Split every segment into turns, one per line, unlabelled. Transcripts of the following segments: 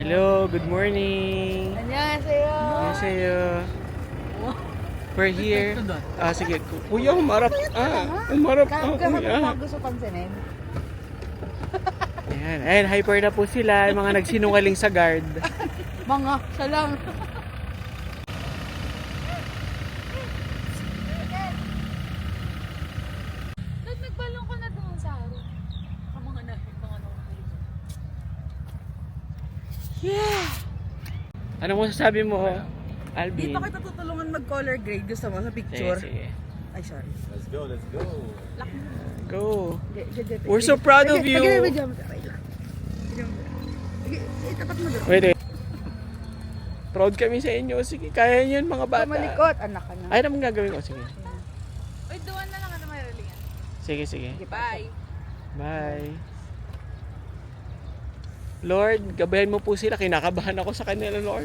Hello, good morning.
안녕하세요.
Annyeonghaseyo. We're here. Sige. Kuya, umarap. Umarap. Kuya.
Gusto pansinin.
Ayan. Ayan, hyper na po sila. Yung mga nagsinungaling sa guard.
Mga, siya lang. Nagbalong ko na doon sa araw. Ang mga
Yeah! Ano mo sasabi mo,
Di
Alvin?
pa kita tutulungan mag-color grade. Gusto mo sa
Sige,
picture?
sige.
Ay, sorry.
Let's go, let's go.
Go. We're so proud of you.
Itapat mo doon.
Wait. Proud kami sa inyo. Sige, kaya niyo yun, mga bata.
Malikot, anak ka na.
Ay, naman gagawin ko. Sige.
Uy, doon na lang ano may relingan.
Sige, sige.
Bye.
Bye. Lord, gabayan mo po sila. Kinakabahan ako sa kanila, Lord.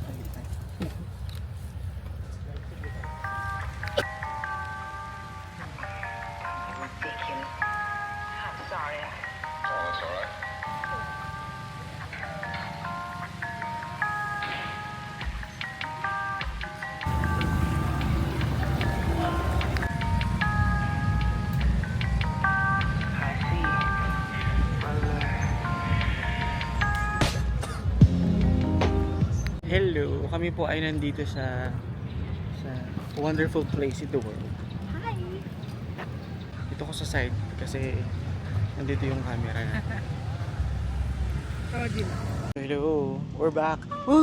Hello, kami po ay nandito sa wonderful place in the world.
Hi.
Dito ko sa side kasi nandito yung camera na. Hello, we're back.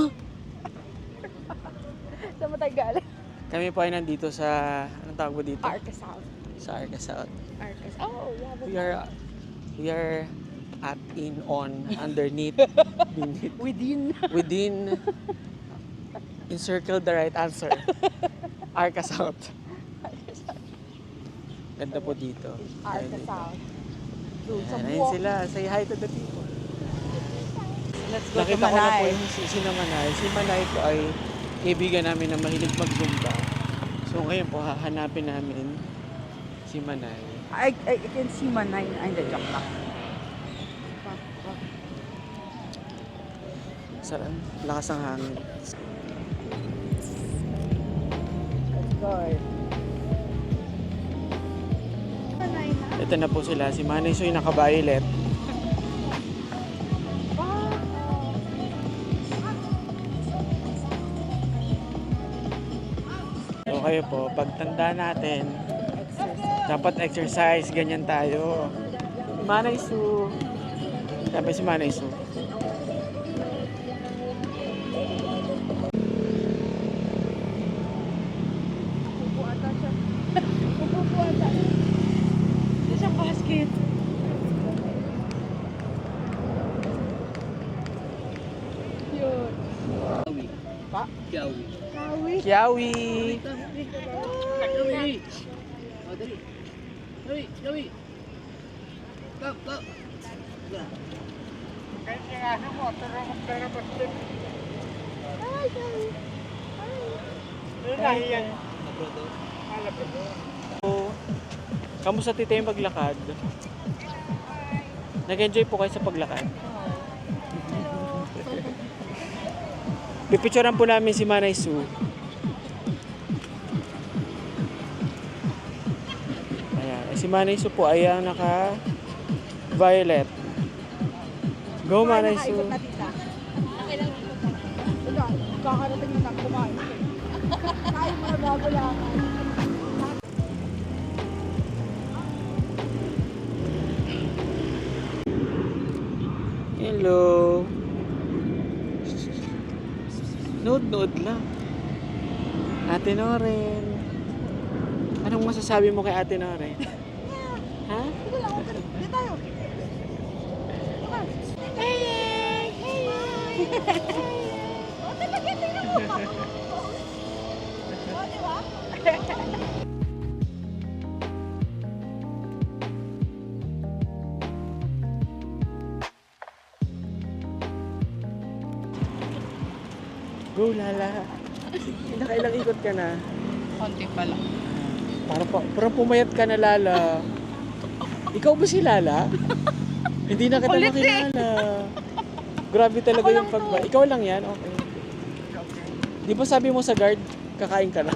Saan mo tayo galing?
Kami po ay nandito sa, anong tawag mo dito?
Arca South.
Sa Arca South.
Arca South. Oh,
We
yeah.
are at, in, on, underneath, beneath, within, encircle the right answer. Arca South. Ganda po dito.
Arca South. Doon sa
Ayan, ayun
buwak.
sila. Say hi to the people.
Let's go to
Nakita ko na po
Manay.
yung si Manay. Si Manay po ay kaibigan namin na mahilig mag-zumba. So ngayon po hahanapin namin si Manay.
I can see Manay. Ay, hindi, joke lang.
Sa lakas ng hangin.
Let's go.
Ito na po sila. Si Manay Soy naka-violet. So kayo po, pagtanda natin, dapat exercise, ganyan tayo. Manay Su. Sabi si Manay Su.
Upo ata siya. Upo ata. Hindi siya basket. Yun.
Pa?
Kawi.
Kiawi! Kamusta tita yung paglakad? Nag-enjoy po kayo sa paglakad? Pipicturean po namin si Manay Su. Ayan. Si Manay Su po ay naka-violet. Go Manay Su!
Nakaikot na tita. Nakailang ikot na. Wala, kakarating na kumain. Kain mo na bago lang.
Hello! Nood-nood lang. Ate Noren. Anong masasabi mo kay Ate Noren? Ha?
Sige lang, okay. Di tayo. Oh, talaga, tingnan mo. Oh, di ba?
Go Lala! Nakailang ikot ka na?
Konti pa lang.
Parang pumayat ka na Lala. Ikaw ba si Lala? Hindi na kita
Kulit eh.
makilala. Grabe talaga
Ako
yung
lang
pagba. Ikaw lang yan? Okay. Di ba sabi mo sa guard, kakain ka na?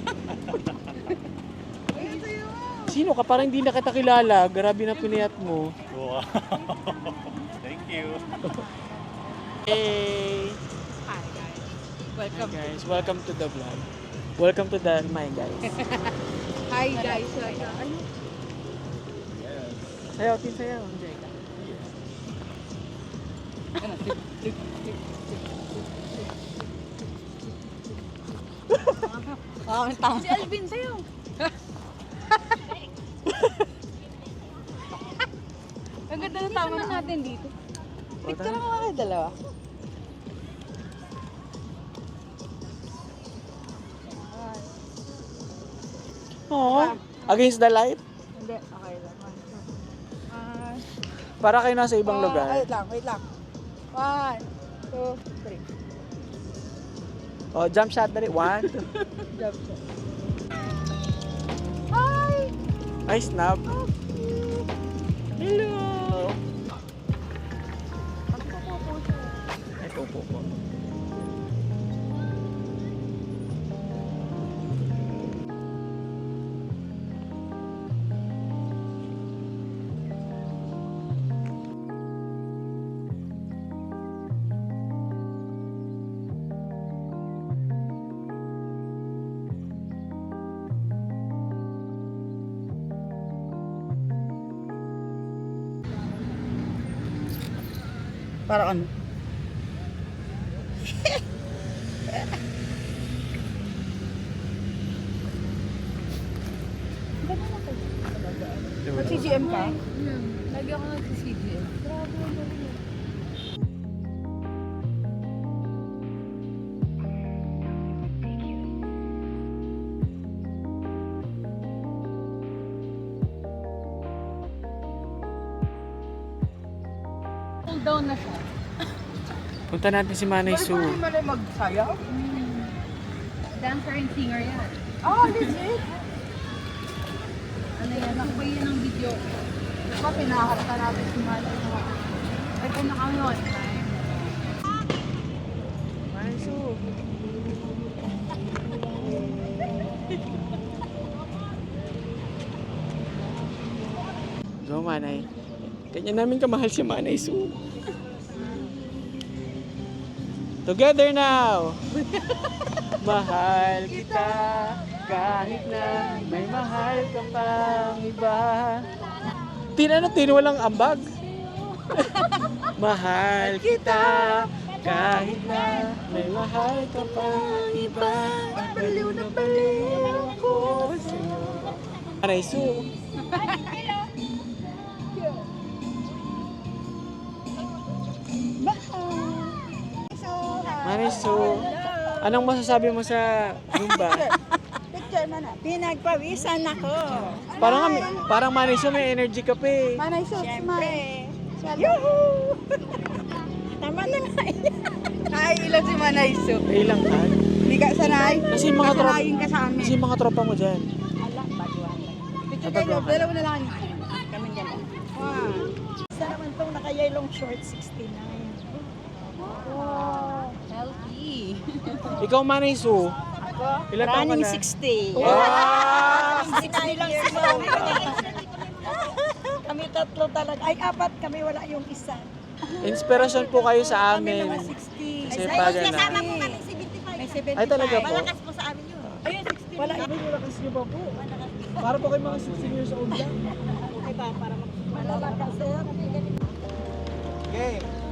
Sino ka? Parang hindi na kita kilala. Grabe na piniyat mo.
Wow. Thank you.
Hey!
Hi guys.
Hi
Welcome.
guys, welcome to the vlog. Welcome to the my guys.
Hi guys. Ano?
Sayaw, tin sayaw.
Si Alvin sa'yo. Ang ganda ng tama natin dito.
Picture lang ako kayo dalawa.
Oh, against the light?
Hindi, okay lang.
Para kayo nasa ibang lugar.
Wait lang. 1, 2, 3.
Oh, jump shot dali. 1, 2.
Jump shot. Hi!
Ay, snap. Hello! Ito po po.
Para ano?
Mag-CGM ka? Lagi ako nag-CGM. Grabe ang galing. Cool down na siya.
Punta natin si Manay Sue.
Hindi mo na magsayaw?
Dancer and singer yan.
Oh, legit?
Ano yan? Nakabay yan ng video.
Diba pinaharap natin si Manay?
Ay, kung nakayon.
Manay Sue. Go, Manay. Ganyan namin kamahal si Manay Sue. Together now! Mahal kita kahit na may mahal ka pang iba. Tin walang ambag? Mahal kita kahit na may mahal ka pang iba. Baliw na baliw ako sa'yo. Manay Sue. Manay Sue, anong masasabi mo sa Zumba?
Picture mo na. Pinagpawisan ako.
Parang Manay Sue, may energy ka pa eh.
Manay Sue,
Siyempre.
Yuhuu! Tama na nga. Ay, ilan si Manay Sue?
Ilang ka?
Hindi ka sanay?
Kasi yung mga tropa,
Kasanayin ka sa amin.
kasi yung mga tropa mo dyan.
Ala, baguhan. Picture
Baguhan.
kayo, dalawa na lang. Kami dyan. Isa naman itong naka-yellow short, 69. Wow.
Healthy.
Ikaw, Manay Sue,
Ako,
ilan taon ka
running
na?
60.
Wow!
60 lang si Mami. Kami tatlo talaga. Ay, apat kami, wala yung isa.
Inspirasyon po kayo sa
Kami
amin.
naman 60.
Kasi pag ano.
May 75.
Ay, talaga po.
po sa amin yun. Ayun, 60. Wala.
Ay, malakas niyo ba po? Para po kayo mga 16 years old lang.
Ay ba, para malakas.
Okay.